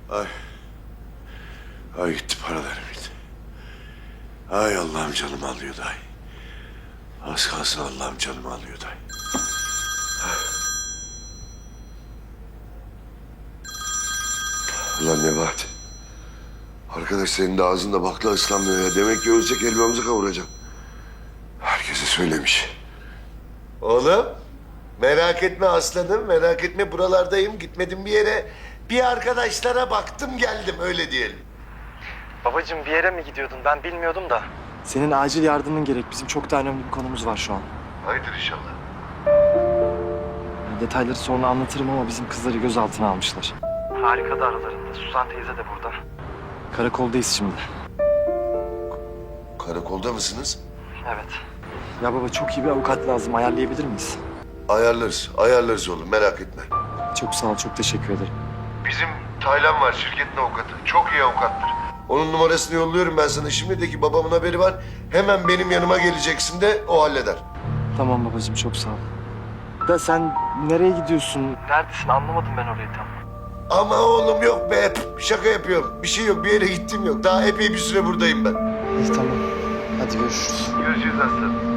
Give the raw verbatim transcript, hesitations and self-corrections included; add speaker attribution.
Speaker 1: Ay. Ay gitti paralarım gitti. Ay Allah'ım canımı alıyordu ay. Az kalsın Allah'ım canımı alıyordu ay. Ulan Nebahat. Arkadaş senin de ağzında bakla ıslanmıyor ya. Demek ki ölsek elmamızı kavuracak. Herkese söylemiş. Oğlum merak etme aslanım, merak etme buralardayım. Gitmedim bir yere. Bir arkadaşlara baktım geldim öyle diyelim.
Speaker 2: Babacığım bir yere mi gidiyordun? Ben bilmiyordum da. Senin acil yardımın gerek. Bizim çok daha önemli bir konumuz var şu an.
Speaker 1: Hayırdır inşallah.
Speaker 2: Detayları sonra anlatırım ama bizim kızları gözaltına almışlar. Harika da aralarında. Suzan teyze de burada. Karakoldayız şimdi.
Speaker 1: Karakolda mısınız?
Speaker 2: Evet. Ya baba çok iyi bir avukat lazım. Ayarlayabilir miyiz?
Speaker 1: Ayarlarız, ayarlarız oğlum merak etme.
Speaker 2: Çok sağ ol, çok teşekkür ederim.
Speaker 1: Bizim Taylan var şirketin avukatı. Çok iyi avukattır. Onun numarasını yolluyorum ben sana. Şimdi de ki babamın haberi var. Hemen benim yanıma geleceksin de o halleder.
Speaker 2: Tamam babacığım, çok sağ ol. Da sen nereye gidiyorsun? Neredesin? Anlamadım ben orayı tam.
Speaker 1: Ama oğlum yok be. Şaka yapıyorum. Bir şey yok. Bir yere gittim yok. Daha epey bir süre buradayım ben.
Speaker 2: İyi tamam. Hadi görüşürüz.
Speaker 1: Görüşürüz aslanım.